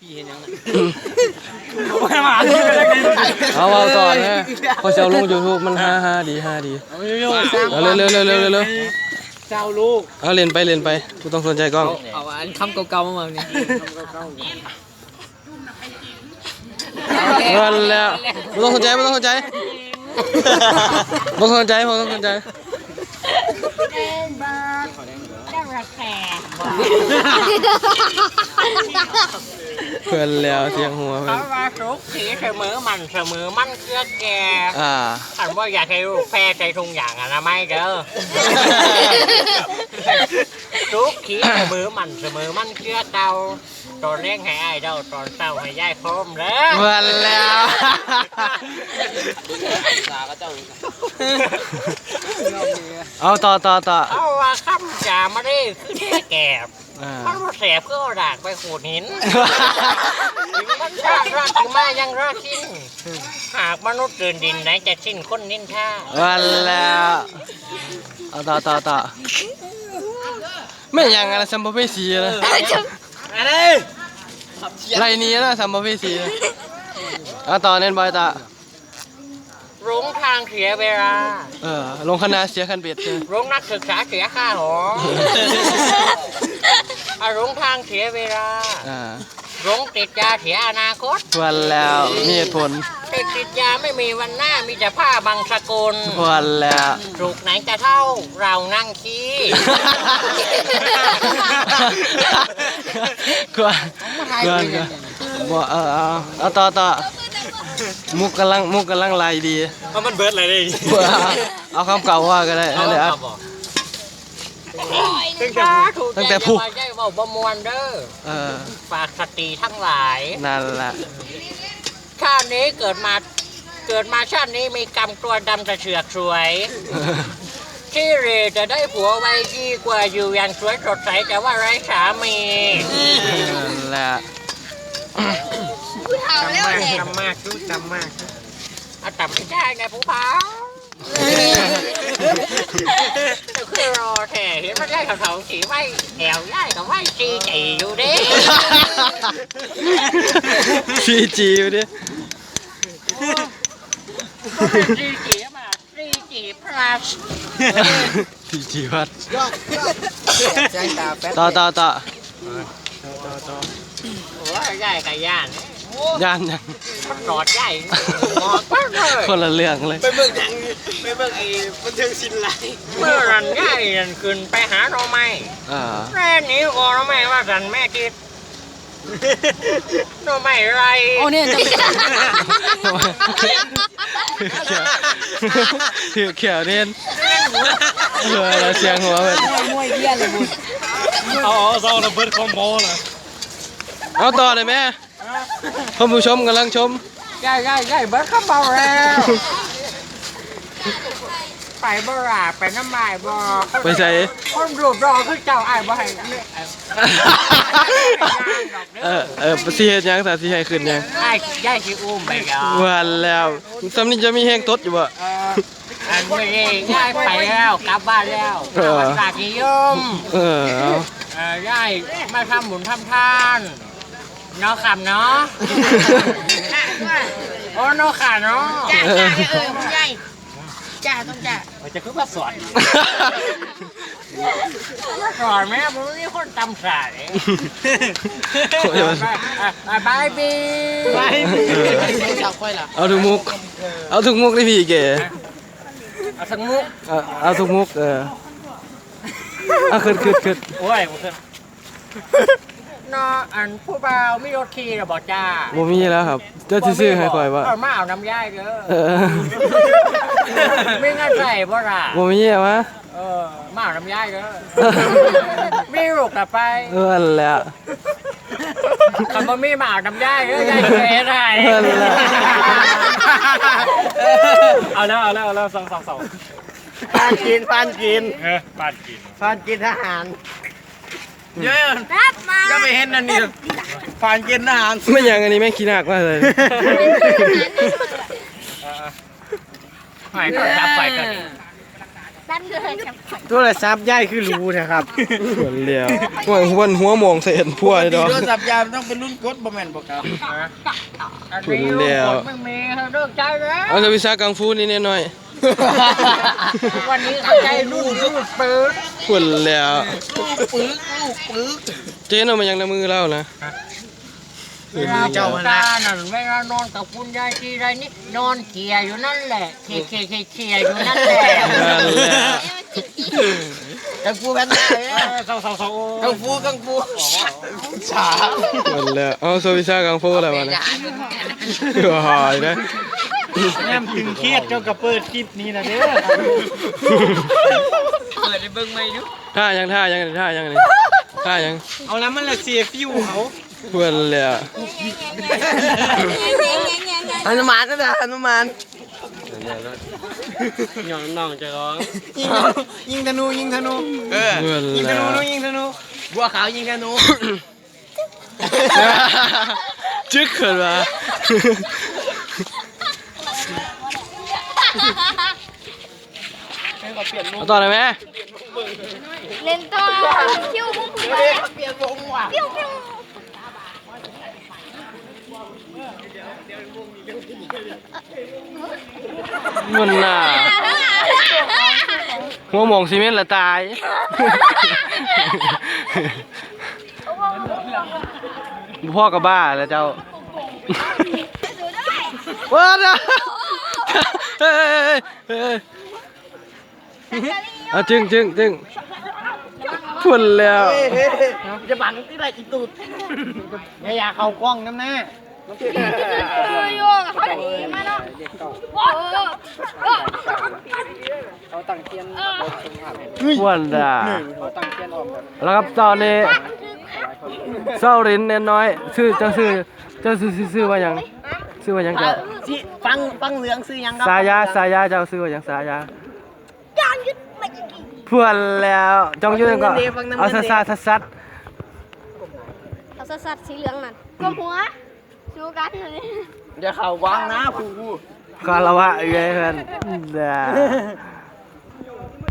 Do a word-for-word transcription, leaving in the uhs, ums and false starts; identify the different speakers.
Speaker 1: เอาเอาต่อนะพอเจ้าลงยูทูบมันฮ่าฮ่าดีฮ่าดีเอาเร็วเร็วเร็วเร็วเร็วเจ้าลูกเอาเรียนไปเรียนไปกูต้องสนใจกล้อง
Speaker 2: เอาอันคำเก่าๆมาเมืองนี่
Speaker 1: เงินแล้วไม่ต้องสนใจไม่ต้องสนใจไม่ต้องสนใจไม่ต้องสนใจเพื่อนแล้วเสียงหัวเพื่อน
Speaker 3: เขาว่าทุกสีเสมอมันเสมอมันเกลือแก่
Speaker 1: อ่า
Speaker 3: ฉันว่าอยากให้ลูกแพร่ใจทุงอย่างอะนะไม่เด้อทุกขีเสมอมันเสมอมันเกลือเก่าตอนเลี้ยงให้ไอ้เด้าตอนเศร้าให้ยายโคมเด้อ
Speaker 1: เพื่อนแล้วเอาต่อต่อต่อ
Speaker 3: เอาว่าคำจ่ามาได้คือแค่แก่มันมาแสบเพื่อเอาดากไปขูดหินถึงมันชาติราถึงมายังราชินหากมนุษย์เดินดินไหนจะสิ้นคนนินท่า
Speaker 1: วันแล้วเอาต่อต่อต่อไม่ยังอะไรสัมภเวสีนะ
Speaker 3: อะไร
Speaker 1: ไรนี้นะสัมภเวสีเอาต่อเน้นบอยต่อ
Speaker 3: ลงทางเสียเวลา
Speaker 1: เออลงคณะเสียคันเบ็ดใช่
Speaker 3: ลงนักศึกษาเสียค่าหออารมณ์ทางเสียเวลาลงติดยาเสียอนาคต
Speaker 1: วันแล้วมีเหตุผล
Speaker 3: ติดติดยาไม่มีวันหน้ามีแต่ผ้าบางสกุล
Speaker 1: วันแล้ว
Speaker 3: ถูกไหนจะเท่าเรานั่งขี้
Speaker 1: กวนกวนบ่เออเอาเอาต่อต่อมุกกำลังมุกกำลังไล่ดี
Speaker 3: เพราะมันเบิร์ดอะไรดิ
Speaker 1: เอาคำเก่าว่าก็ได้นั่นแหละ
Speaker 3: ตั้งแต่ผู้ใหญ่เบาบมวนเด้อฝากสติทั้งหลาย
Speaker 1: นั่นแหละ
Speaker 3: ชาตินี้เกิดมาเกิดมาชาตินี้มีกรรมตัวดำจะเฉือกสวยที่เรจะได้ผัวไว้ดีกว่าอยู่อย่างสวยสดใสแต่ว่าไร้สามี
Speaker 1: นั่นแหละ
Speaker 3: จำมากจำมากจุ๊จำมากอาจำไม่ได้ไงผู้พาคือรอแถเห็นมันได้เขาเขาสีไว้แถวย่ายกับไว้จีจีอยู่ดิ
Speaker 1: จีจีอยู่ดิ
Speaker 3: จีจีมาจีจีพลัส
Speaker 1: จีจีวัดต่อต่อต่อ
Speaker 3: โอ้ยย่ายกับย่าน
Speaker 1: ย่านยัง
Speaker 3: กอดใหญ่กอดมากเลย
Speaker 1: คนละเรื่องเลย
Speaker 3: ไปเบิ่งยังไปเบิ่งไอ้บันเทิงศิลป์ไรเมื่อรันใหญ่รันขึ้นไปหาเราไม่แม่นี้ก็เราไม่ว่ารันแม่คิดเราไม่ไร
Speaker 2: โอ้เนี่ย
Speaker 1: ถือเขียวเด่นเออเสียงหัวแบบ
Speaker 2: มวยเยี่ยเลยบุญ
Speaker 3: เอาเอาเราเบิร์ดคอมโบเลย
Speaker 1: เอาต่อเลยแม่ท่านผู้ชมกำลังชม
Speaker 3: ใหญ่ใหญ่ใหญ่เบิร์ดคอมโบแล้วไปบ่ราไปน้ำลายบ่
Speaker 1: ไปใส่
Speaker 3: คนรูปรอคือเจ้าไอ้บ่ให้
Speaker 1: เออเออสีเฮ็ดยังแต่สีให้ขึ้นยัง
Speaker 3: ไอ้ย่ายสิอุ้มไปกัน
Speaker 1: วันแล้วสำนี้จะมีแห้งตดอยู่บ่
Speaker 3: อันนี้ย่ายไปแล้วกลับบ้านแล้วสาธิยม
Speaker 1: เอ
Speaker 3: อย่ายมาทำบุญทำทานเนาะคำเนาะโอ้เนาะค่ะเนาะ
Speaker 2: จ้าจ้าเออใหญ่จ้าต้องจ้า
Speaker 3: จะคือมาสอนสอนแม่ผมนี่คนตำสายบายบี
Speaker 2: บายบี
Speaker 1: เอาทุกมุกเอาทุกมุกได้พี่เก๋
Speaker 3: เอาทุกมุก
Speaker 1: เอาทุกมุกเออเอาขึ้นขึ้นขึ้น
Speaker 3: โอ้ยขึ้นนออันผู้บ่าวมีรถขี่หรือบ่จ้า
Speaker 1: บ่มีแล้วครับเจ้าซื้อให้คอยว่า
Speaker 3: เอามาเอาน้ำย่ายเด้อไม่งั้นใส่บ่ล่ะ
Speaker 1: บ่มีวะ
Speaker 3: เออมาเอาน้ำย่ายเด้อมีลูกกลับไป
Speaker 1: เออแล้ว
Speaker 3: คำว่ามีมาเอาน้ำย่ายเด้อย่ายเก๋ได้เอาแล้วเอาแล้วเอาแล้วสองสองสอง
Speaker 2: ปานกินปานกิน
Speaker 3: เออปานกิน
Speaker 2: ปานกินทหาร
Speaker 3: เยอะก็ไปเห็นนั่นนี่ผ่านกินอาหาร
Speaker 1: ไม่อย่างอันนี้แม่ขี้หนักมากเลย
Speaker 3: ไฟก็ดับไฟกัน
Speaker 4: ตั้นเลยจับ
Speaker 2: โทรศัพท์ใหญ่คือรู้นะครับ
Speaker 1: ส่วนเดียวหัวหัวหัวมองใส่เห็นพัวเลยดอก
Speaker 2: โทรศัพท์ยามต้องเป็นรุ่นกดบ่แม่นบ่ครับ
Speaker 1: ส่วนเดียว
Speaker 3: ไม่มีเขาเลิกใจแล้ว
Speaker 1: เอาจะวิชากังฟูนี่หน่อย
Speaker 3: วันนี้เขาใจลูกลูกปืน
Speaker 1: ส่วนแล้ว
Speaker 2: ปึกลูกปึก
Speaker 1: เจ๊นเอามายังในมือเล่านะ
Speaker 3: เวลาเจ้าตานั่นเวลานอนกับคุณยายทีไรนี่นอนเขี่ยอยู่นั่นแหละเขี่ยเขี่ยเขี่ยเขี่ยอยู่นั่นแหละ
Speaker 1: นั่นแหละ
Speaker 2: กังฟูแพนด้ากังฟูกังฟูฉา
Speaker 1: นั่นแหละเอาโซวิชากังฟูอะไรวะเนี่ยหายนะ
Speaker 2: แม่ถึงเครียดเจ้ากับเปิดคลิปนี้นะเด้อเปิดให้เบิ่งใหม่ดู
Speaker 1: ท่ายังท่ายังท่ายังนี่ท่ายัง
Speaker 2: เอาแล้วมันละเสียฟิวเขา
Speaker 1: เพื่อนเลยอ่ะ
Speaker 2: อนุมานนะอนุมาน
Speaker 3: น้องน้องจะร้อง
Speaker 2: ยิงยิงธนูยิงธนูเออ
Speaker 1: เพื่อน
Speaker 2: ยิง
Speaker 1: เล
Speaker 2: ธ
Speaker 1: ย
Speaker 2: นูยิงธนูบัวขาวยิงธนู
Speaker 1: จึ๊กเขินวะเอาต่อเลยไหม
Speaker 4: เล่นต่อคิวพุ่งพุ่งไป
Speaker 2: เปลี่ยนวงว่ะ
Speaker 4: ปิ้วปิ้ว
Speaker 1: มันน่ะหัวหมองซีเมนต์ละตายพ่อกับบ้าแล้วเจ้าว้าวนะเฮ้ยเฮ้ยอ่ะจึงจึงจึงพุ่นแล้ว
Speaker 2: จะบังที่ไรอีตูดอย่าอยากเข้ากล้องน้ำหน้า
Speaker 4: คืออยู่เขาหนีมาเนาะโอ้โห
Speaker 1: พุ่นด่าแล้วครับตอนนี้เศร้ารินเนน้อยชื่อเจ้าชื่อเจ้าชื่อชื่อว่ายังชื่อว่ายังเจ้า
Speaker 2: สิฟังฟังเหลืองซื้อยังครับ
Speaker 1: สายาสายาเจ้าชื่อว่ายังสายา
Speaker 4: จานยึดไม่กี่
Speaker 1: พุ่นแล้วจองอยืนก็เอาซัดซัดซัดซัด
Speaker 4: เอาสัตว์สีเหลืองนั่นกลมหัวชูกันเลย
Speaker 2: อย่าเข้ากล้องนะผู้ผู้
Speaker 1: คารวะเอ้ยเพื่อนด่า